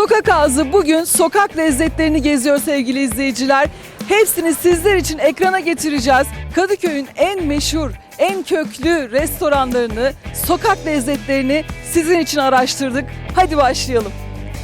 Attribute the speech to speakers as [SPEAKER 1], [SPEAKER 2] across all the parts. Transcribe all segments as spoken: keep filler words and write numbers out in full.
[SPEAKER 1] Sokak Ağzı bugün sokak lezzetlerini geziyor sevgili izleyiciler. Hepsini sizler için ekrana getireceğiz. Kadıköy'ün en meşhur, en köklü restoranlarını, sokak lezzetlerini sizin için araştırdık. Hadi başlayalım.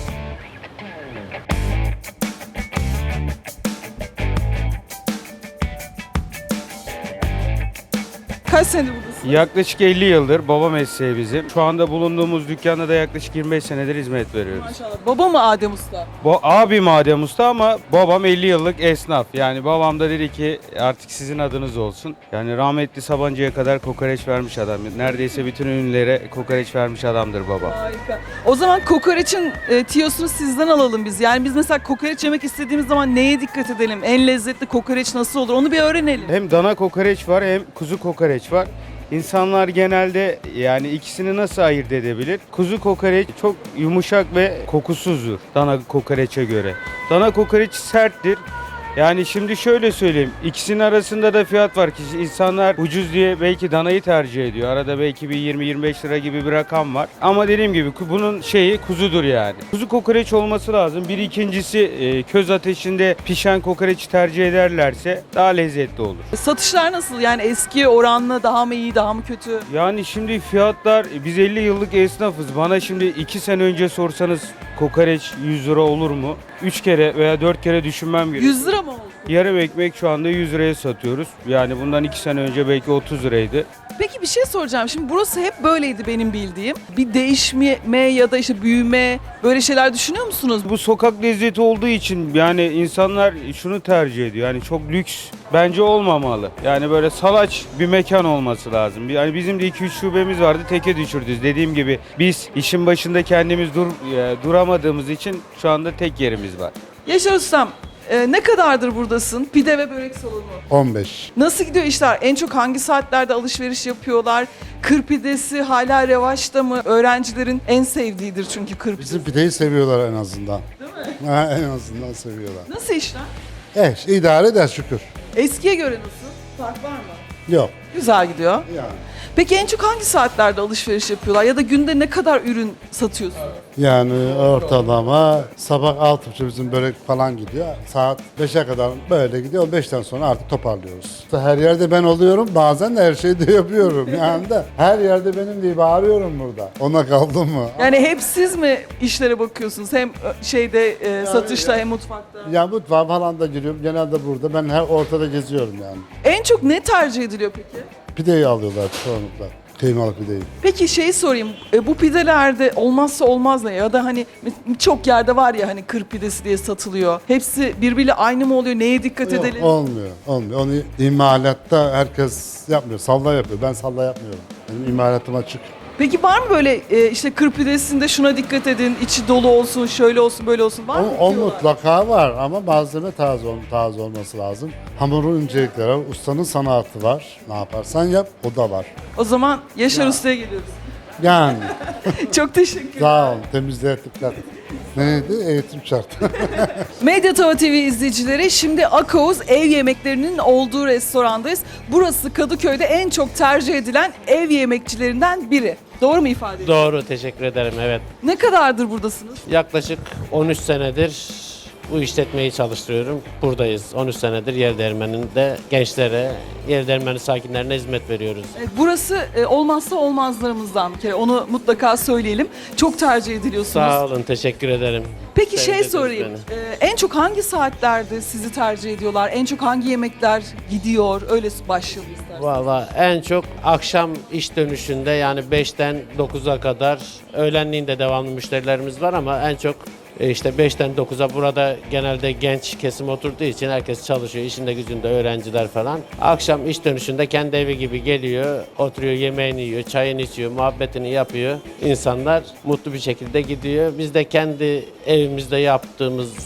[SPEAKER 1] Kaç senedir buradasın?
[SPEAKER 2] Yaklaşık elli yıldır baba mesleği bizim. Şu anda bulunduğumuz dükkanda da yaklaşık yirmi beş senedir hizmet veriyoruz.
[SPEAKER 1] Maşallah. Baba mı Adem Usta?
[SPEAKER 2] Bu abim Adem Usta ama babam elli yıllık esnaf. Yani babam da dedi ki artık sizin adınız olsun. Yani rahmetli Sabancı'ya kadar kokoreç vermiş adam. Neredeyse bütün ünlülere kokoreç vermiş adamdır babam.
[SPEAKER 1] Harika. O zaman kokoreçin e, tiyosunu sizden alalım biz. Yani biz mesela kokoreç yemek istediğimiz zaman neye dikkat edelim? En lezzetli kokoreç nasıl olur? Onu bir öğrenelim.
[SPEAKER 2] Hem dana kokoreç var hem kuzu kokoreç var. İnsanlar genelde yani ikisini nasıl ayırt edebilir? Kuzu kokoreç çok yumuşak ve kokusuzdur dana kokoreçe göre. Dana kokoreç serttir. Yani şimdi şöyle söyleyeyim, ikisinin arasında da fiyat var ki insanlar ucuz diye belki danayı tercih ediyor. Arada belki bir yirmi yirmi beş lira gibi bir rakam var. Ama dediğim gibi bunun şeyi kuzudur yani. Kuzu kokoreç olması lazım. Bir ikincisi e, köz ateşinde pişen kokoreçi tercih ederlerse daha lezzetli olur.
[SPEAKER 1] Satışlar nasıl? Yani eski oranla daha mı iyi, daha mı kötü?
[SPEAKER 2] Yani şimdi fiyatlar, biz elli yıllık esnafız. Bana şimdi iki sene önce sorsanız kokoreç yüz lira olur mu? üç kere veya dört kere düşünmem gerekiyor.
[SPEAKER 1] yüz lira mı oldu?
[SPEAKER 2] Yarım ekmek şu anda yüz liraya satıyoruz. Yani bundan iki sene önce belki otuz liraydı.
[SPEAKER 1] Peki bir şey soracağım. Şimdi burası hep böyleydi benim bildiğim. Bir değişme ya da işte büyüme böyle şeyler düşünüyor musunuz?
[SPEAKER 2] Bu sokak lezzeti olduğu için yani insanlar şunu tercih ediyor. Yani çok lüks bence olmamalı. Yani böyle salaş bir mekan olması lazım. Yani bizim de iki üç şubemiz vardı, teke düşürdük. Dediğim gibi biz işin başında kendimiz dur, e, duramadığımız için şu anda tek yerimiz var.
[SPEAKER 1] Yaşar Ustam, e, ne kadardır buradasın? Pide ve börek salonu.
[SPEAKER 3] on beş.
[SPEAKER 1] Nasıl gidiyor işler? En çok hangi saatlerde alışveriş yapıyorlar? Kır pidesi hala revaçta mı? Öğrencilerin en sevdiğidir çünkü kır pidesi.
[SPEAKER 3] Bizim pideyi seviyorlar en azından. Değil mi? Ha, en azından seviyorlar.
[SPEAKER 1] Nasıl işler?
[SPEAKER 3] Eh, idare eder şükür.
[SPEAKER 1] Eskiye göre nasıl? Fark var mı?
[SPEAKER 3] Yok.
[SPEAKER 1] Güzel gidiyor.
[SPEAKER 3] Yani.
[SPEAKER 1] Peki en çok hangi saatlerde alışveriş yapıyorlar? Ya da günde ne kadar ürün satıyorsun?
[SPEAKER 3] Yani ortalama sabah altı buçuk bizim börek falan gidiyor. Saat beşe kadar böyle gidiyor. on beşten sonra artık toparlıyoruz. Her yerde ben oluyorum. Bazen de her şeyi de yapıyorum. Yani de her yerde benim diye bağırıyorum burada. Ona kaldım mı?
[SPEAKER 1] Yani hep siz mi işlere bakıyorsunuz? Hem şeyde e, satışta hem mutfakta.
[SPEAKER 3] Ya mutfağa falan da giriyorum. Genelde burada. Ben her ortada geziyorum yani.
[SPEAKER 1] En çok ne tercih ediliyor peki?
[SPEAKER 3] Pideyi alıyorlar çoğunlukla. Kıymalı pideyi.
[SPEAKER 1] Peki şey sorayım, e, bu pidelerde olmazsa olmaz ne? Ya da hani çok yerde var ya hani kır pidesi diye satılıyor. Hepsi birbiriyle aynı mı oluyor? Neye dikkat
[SPEAKER 3] Yok,
[SPEAKER 1] edelim?
[SPEAKER 3] olmuyor, olmuyor. Onu imalatta herkes yapmıyor. Salla yapıyor. Ben salla yapmıyorum. Benim imalatım açık.
[SPEAKER 1] Peki var mı böyle e, işte kır pidesinde şuna dikkat edin, içi dolu olsun, şöyle olsun, böyle olsun var mı?
[SPEAKER 3] O, o
[SPEAKER 1] diyorlar?
[SPEAKER 3] mutlaka var ama malzeme taze, ol, taze olması lazım. Hamurun incelikleri var, ustanın sanatı var. Ne yaparsan yap, o da var.
[SPEAKER 1] O zaman Yaşar Usta'ya geliyoruz.
[SPEAKER 3] Yani
[SPEAKER 1] Çok teşekkür ederim.
[SPEAKER 3] sağ olun, temizliğe dikkat. Neydi? Eğitim şartı.
[SPEAKER 1] Medyatava T V izleyicileri, şimdi Akaoz ev yemeklerinin olduğu restorandayız. Burası Kadıköy'de en çok tercih edilen ev yemekçilerinden biri. Doğru mu ifade ediyorum?
[SPEAKER 4] Doğru, teşekkür ederim. Evet.
[SPEAKER 1] Ne kadardır buradasınız?
[SPEAKER 4] Yaklaşık on üç senedir bu işletmeyi çalıştırıyorum. Buradayız. on üç senedir yer değirmeninde gençlere, yer değirmeni sakinlerine hizmet veriyoruz.
[SPEAKER 1] Evet, burası e, olmazsa olmazlarımızdan bir kere. Onu mutlaka söyleyelim. Çok tercih ediliyorsunuz.
[SPEAKER 4] Sağ olun, teşekkür ederim.
[SPEAKER 1] Peki şey
[SPEAKER 4] Sevdirdiniz
[SPEAKER 1] sorayım.
[SPEAKER 4] beni.
[SPEAKER 1] e, en çok hangi saatlerde sizi tercih ediyorlar? En çok hangi yemekler gidiyor? Öyle başlayalım isterseniz.
[SPEAKER 4] Valla en çok akşam iş dönüşünde yani beşten dokuza kadar, öğlenliğin de devamlı müşterilerimiz var ama en çok e, işte beşten dokuza burada genelde genç kesim oturduğu için herkes çalışıyor. İşinde gücünde öğrenciler falan. Akşam iş dönüşünde kendi evi gibi geliyor, oturuyor, yemeğini yiyor, çayını içiyor, muhabbetini yapıyor. İnsanlar mutlu bir şekilde gidiyor. Biz de kendi evimizde yaptığımız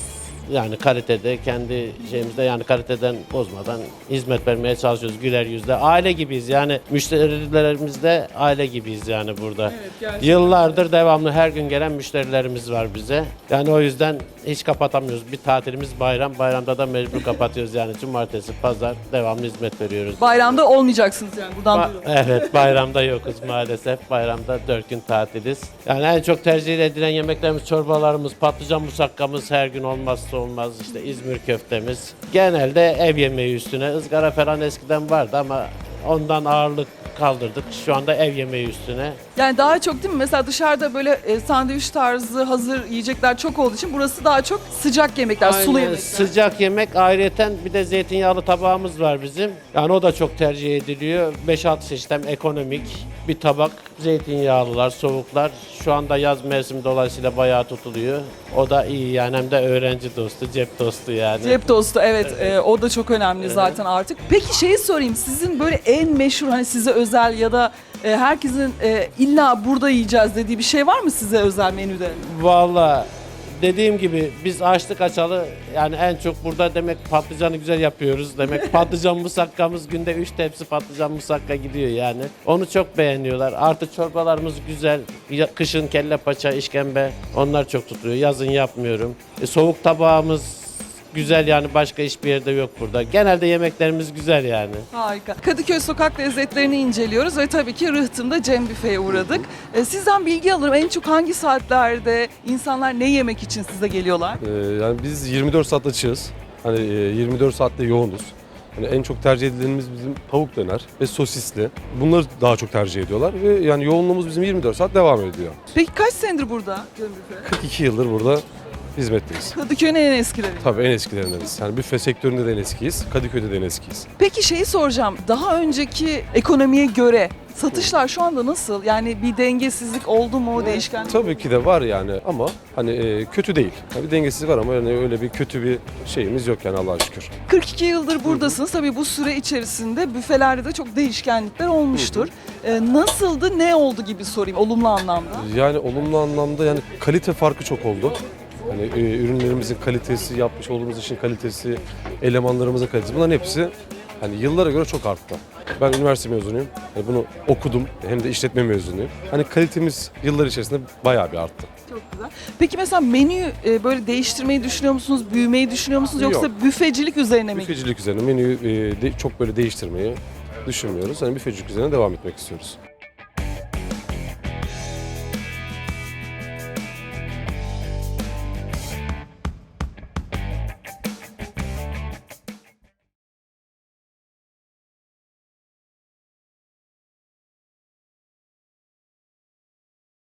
[SPEAKER 4] yani kalitede, kendi şeyimizde yani kaliteden bozmadan hizmet vermeye çalışıyoruz güler yüzle. Aile gibiyiz yani, müşterilerimizde aile gibiyiz yani burada.
[SPEAKER 1] Evet, gerçekten.
[SPEAKER 4] Yıllardır devamlı her gün gelen müşterilerimiz var bize. Yani o yüzden hiç kapatamıyoruz. Bir tatilimiz bayram, bayramda da mecbur kapatıyoruz yani. Cumartesi, pazar devamlı hizmet veriyoruz.
[SPEAKER 1] Bayramda olmayacaksınız yani buradan
[SPEAKER 4] Ba-
[SPEAKER 1] duyurun.
[SPEAKER 4] evet, bayramda yokuz maalesef. Bayramda dört gün tatiliz. Yani en çok tercih edilen yemeklerimiz, çorbalarımız, patlıcan musakkamız her gün olmazsa olmaz. İşte İzmir köftemiz. Genelde ev yemeği üstüne. Izgara falan eskiden vardı ama ondan ağırlık kaldırdık. Şu anda ev yemeği üstüne.
[SPEAKER 1] Yani daha çok değil mi? Mesela dışarıda böyle e, sandviç tarzı hazır yiyecekler çok olduğu için burası daha çok sıcak yemekler, sulu
[SPEAKER 4] Aynen,
[SPEAKER 1] yemekler.
[SPEAKER 4] sıcak yemek, ayrıyeten bir de zeytinyağlı tabağımız var bizim. Yani o da çok tercih ediliyor. beş altı çeşit hem ekonomik bir tabak. Zeytinyağlılar, soğuklar. Şu anda yaz mevsimi dolayısıyla bayağı tutuluyor. O da iyi yani, hem de öğrenci dostu, cep dostu yani.
[SPEAKER 1] Cep tostu evet, e, o da çok önemli zaten artık. Peki şeyi sorayım, sizin böyle en meşhur hani size özel ya da e, herkesin e, illa burada yiyeceğiz dediği bir şey var mı size özel menüde?
[SPEAKER 4] Vallahi dediğim gibi biz açtık açalı yani en çok burada demek patlıcanı güzel yapıyoruz. Demek patlıcan musakkamız günde üç tepsi patlıcan musakka gidiyor yani. Onu çok beğeniyorlar. Artı çorbalarımız güzel. Ya- Kışın kelle paça, işkembe onlar çok tutuyor. Yazın yapmıyorum. E, soğuk tabağımız güzel yani, başka hiçbir yerde yok burada. Genelde yemeklerimiz güzel yani.
[SPEAKER 1] Harika. Kadıköy sokak lezzetlerini inceliyoruz ve tabii ki Rıhtım'da Cem Büfe'ye uğradık. E, sizden bilgi alırım. En çok hangi saatlerde insanlar ne yemek için size geliyorlar?
[SPEAKER 5] Ee, yani biz yirmi dört saat açığız. Hani e, yirmi dört saatte yoğunuz. Hani en çok tercih edilenimiz bizim tavuk döner ve sosisli. Bunları daha çok tercih ediyorlar ve yani yoğunluğumuz bizim yirmi dört saat devam ediyor.
[SPEAKER 1] Peki kaç senedir burada Cem Büfe?
[SPEAKER 5] kırk iki yıldır burada hizmetteyiz.
[SPEAKER 1] Kadıköy'ün en eskileri.
[SPEAKER 5] Tabii en eskilerindeniz. Yani büfe sektöründe de en eskiyiz. Kadıköy'de de en eskiyiz.
[SPEAKER 1] Peki şeyi soracağım. Daha önceki ekonomiye göre satışlar şu anda nasıl? Yani bir dengesizlik oldu mu, değişken?
[SPEAKER 5] Tabii ki de var yani ama hani e, kötü değil. Yani bir dengesizlik var ama yani öyle bir kötü bir şeyimiz yok yani Allah'a şükür.
[SPEAKER 1] kırk iki yıldır buradasınız. Tabii bu süre içerisinde büfelerde de çok değişkenlikler olmuştur. Ee, nasıldı, ne oldu gibi sorayım olumlu anlamda.
[SPEAKER 5] Yani olumlu anlamda yani kalite farkı çok oldu. Hani e, ürünlerimizin kalitesi, yapmış olduğumuz işin kalitesi, elemanlarımızın kalitesi, bunların hepsi hani yıllara göre çok arttı. Ben üniversite mezunuyum. Yani bunu okudum, hem de işletme mezunuyum. Hani kalitemiz yıllar içerisinde bayağı bir arttı.
[SPEAKER 1] Çok güzel. Peki mesela menüyü e, böyle değiştirmeyi düşünüyor musunuz, büyümeyi düşünüyor musunuz yoksa
[SPEAKER 5] Yok.
[SPEAKER 1] büfecilik üzerine mi?
[SPEAKER 5] Büfecilik üzerine menüyü e, de- çok böyle değiştirmeyi düşünmüyoruz. Hani büfecilik üzerine devam etmek istiyoruz.